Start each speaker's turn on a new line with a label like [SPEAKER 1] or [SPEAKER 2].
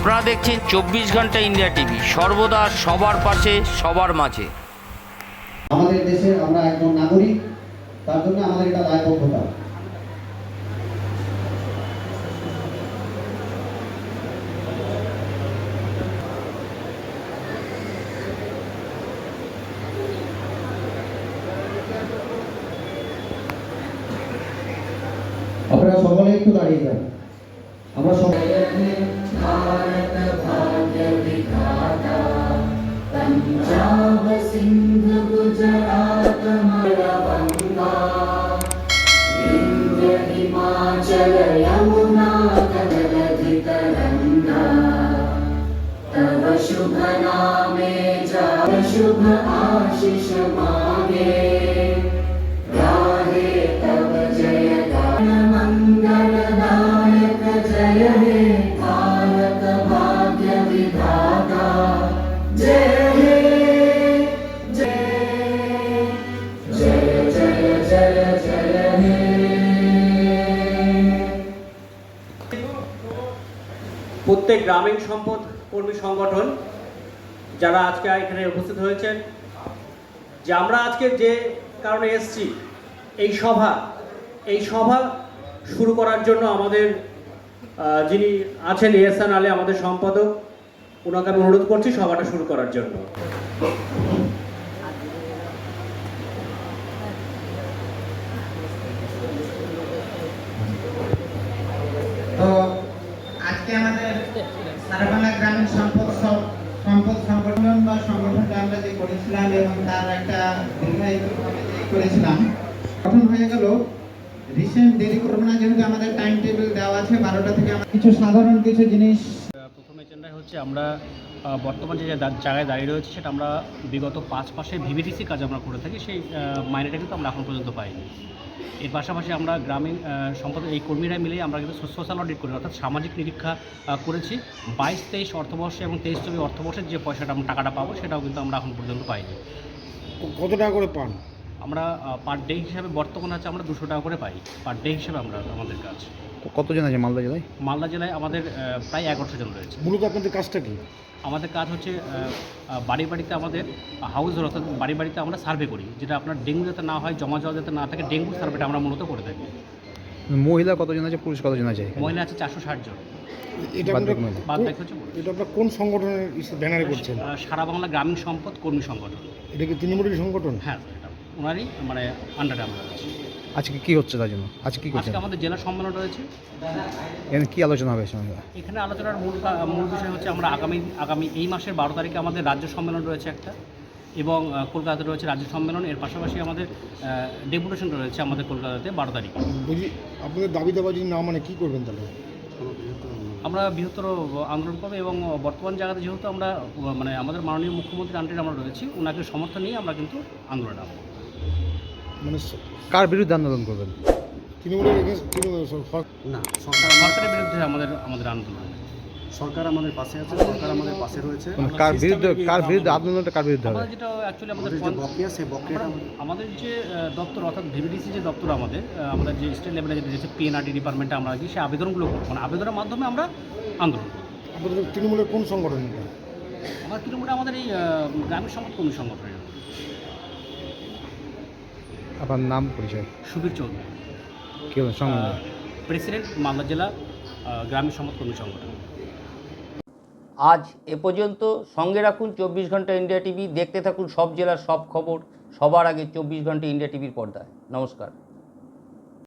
[SPEAKER 1] আপনারা দেখছেন 24 ঘন্টা ইন্ডিয়া টিভি, সর্বদা সবার পাশে, সবার মাঝে।
[SPEAKER 2] আমাদের দেশের আমরা একজন নাগরিক, তার জন্য আমাদের এটা দায়বদ্ধতা। আপনারা সকলে একটু দাঁড়িয়ে যান। আমরা সবাই
[SPEAKER 3] पंजाब सिंध गुजरात मलवंगा विंध्य हिमाचल यमुना तनलधि तरंगा तव शुभ नामे जाप शुभ आशीष मांगे गाहे तव जय गान मंगलदायक जय हे भारत भाग्य विधाता जय
[SPEAKER 4] প্রত্যেক গ্রামীণ সম্পদ কর্মী সংগঠন যারা আজকে এখানে উপস্থিত হয়েছেন, যে আমরা আজকে যে কারণে এসেছি এই সভা শুরু করার জন্য আমাদের যিনি আছেন এহসান আলী আমাদের সম্পাদক, ওনাকে আমি অনুরোধ করছি সভাটা শুরু করার জন্য।
[SPEAKER 5] তো আজকে আমাদের সারা বাংলা গ্রামীণ সম্পদ সংগঠন বা সংগঠনটা আমরা যে করেছিলাম এবং তার একটা দীর্ঘায়িতভাবে করেছিলাম, গঠন হয়ে গেল। রিসেন্ট দেরি করবো না, যেহেতু আমাদের টাইম টেবিল দেওয়া আছে 12টা থেকে। কিছু সাধারণ কিছু জিনিস
[SPEAKER 4] প্রথম এজেন্ডা হচ্ছে আমরা বর্তমানে যে জায়গায় দাঁড়িয়ে রয়েছে সেটা আমরা বিগত 5 মাসে ভিভিটিসি কাজ আমরা করে থাকি, সেই মাইনেটা কিন্তু আমরা এখন পর্যন্ত পাইনি। এর পাশাপাশি আমরা গ্রামীণ সম্পদ এই কর্মীরা মিলে আমরা কিন্তু সোশ্যাল অডিট করি, অর্থাৎ সামাজিক নিরীক্ষা করেছি। 22-23 অর্থবর্ষে এবং 23-24 অর্থবর্ষের যে পয়সাটা আমরা টাকাটা পাবো সেটাও কিন্তু আমরা এখন পর্যন্ত পাইনি।
[SPEAKER 6] কত টাকা করে পান?
[SPEAKER 4] আমরা পার ডে হিসাবে বর্তমানে আছে আমরা 200 টাকা করে পাই পার ডে হিসাবে আমরা আমাদের কাজ।
[SPEAKER 6] কতজন আছে মালদা জেলায়?
[SPEAKER 4] মালদা জেলায় আমাদের প্রায় 1100 জন রয়েছে।
[SPEAKER 6] মূলত আপনাদের কাজটা কি?
[SPEAKER 4] আমাদের কাজ হচ্ছে বাড়ি বাড়িতে আমাদের হাউস, অর্থাৎ বাড়ি বাড়িতে আমরা সার্ভে করি, যেটা আপনার ডেঙ্গু যাতে না হয়, জমা জল যাতে না থাকে, ডেঙ্গু সার্ভেটা আমরা মূলত করে থাকি।
[SPEAKER 6] মহিলা কতজন আছে, পুরুষ কতজন আছে?
[SPEAKER 4] মহিলা আছে 460 জন।
[SPEAKER 6] এটা
[SPEAKER 4] বাদ বাকি হচ্ছে
[SPEAKER 6] এটা আপনার কোন সংগঠনের ব্যানারে করছেন?
[SPEAKER 4] সারা বাংলা গ্রামীণ সম্পদ কর্মী সংগঠন।
[SPEAKER 6] এটা কি তৃণমূলের সংগঠন?
[SPEAKER 4] হ্যাঁ, এটা ওনারই মানে আন্ডারে আমরা আছি।
[SPEAKER 6] আজকে কি হচ্ছে তার জন্য? আজকে কি করছেন?
[SPEAKER 4] আজকে আমাদের জেলা সম্মেলন রয়েছে।
[SPEAKER 6] এখানে কি আলোচনা হবে?
[SPEAKER 4] এখানে আলোচনার মূল বিষয় হচ্ছে আমরা আগামী এই মাসের 12 তারিখে আমাদের রাজ্য সম্মেলন রয়েছে একটা, এবং কলকাতাতে রয়েছে রাজ্য সম্মেলন। এর পাশাপাশি আমাদের ডেপুটেশন রয়েছে আমাদের কলকাতাতে 12 তারিখে।
[SPEAKER 6] বুঝি আপনাদের দাবি দাবা যদি না মানে কী করবেন তাহলে?
[SPEAKER 4] আমরা বৃহত্তর আন্দোলন করবো, এবং বর্তমান জায়গাতে যেহেতু আমরা মানে আমাদের মাননীয় মুখ্যমন্ত্রীর আন্ডারে আমরা রয়েছি, ওনাকে সমর্থন নিয়ে আমরা কিন্তু আন্দোলন নামবো।
[SPEAKER 6] মানে কার বিরুদ্ধে আন্দোলন করবেন? তৃণমূলের
[SPEAKER 4] না, সরকারের বিরুদ্ধে আমাদের আন্দোলন।
[SPEAKER 7] সরকার আমাদের পাশে আছে, সরকার আমাদের পাশে রয়েছে।
[SPEAKER 6] কার বিরুদ্ধে আন্দোলনটা কার বিরুদ্ধে হবে?
[SPEAKER 4] যেটা অ্যাকচুয়ালি আমাদের
[SPEAKER 7] যে বকেয়া, সেই বকেয়াটা
[SPEAKER 4] আমাদের যে দপ্তর, অর্থাৎ ভিভিডিসি যে দপ্তর আমাদের যে স্টেট লেভেলে যেটা রয়েছে পিএনআরডি ডিপার্টমেন্টে, আমরা কি সেই আবেদনগুলো করবো, মানে আবেদনের মাধ্যমে আমরা আন্দোলন করবো।
[SPEAKER 6] আপনাদের তৃণমূলের কোন সংগঠন এটা?
[SPEAKER 4] আমার তৃণমূলে আমাদের এই গ্রামীণ সম্পদ কর্মী সংগঠনের।
[SPEAKER 6] আপনার নাম পরিচয়?
[SPEAKER 4] সুবীর চৌধুরী,
[SPEAKER 6] কি সংগঠন?
[SPEAKER 4] প্রেসিডেন্ট, মালদা জেলা গ্রামীণ সম্পদ কর্মী সংগঠন।
[SPEAKER 1] আজ এ পর্যন্ত। সঙ্গে রাখুন 24 ঘন্টা ইন্ডিয়া টিভি। দেখতে থাকুন সব জেলার সব খবর সবার আগে 24 ঘন্টা ইন্ডিয়া টিভির পর্দায়। নমস্কার।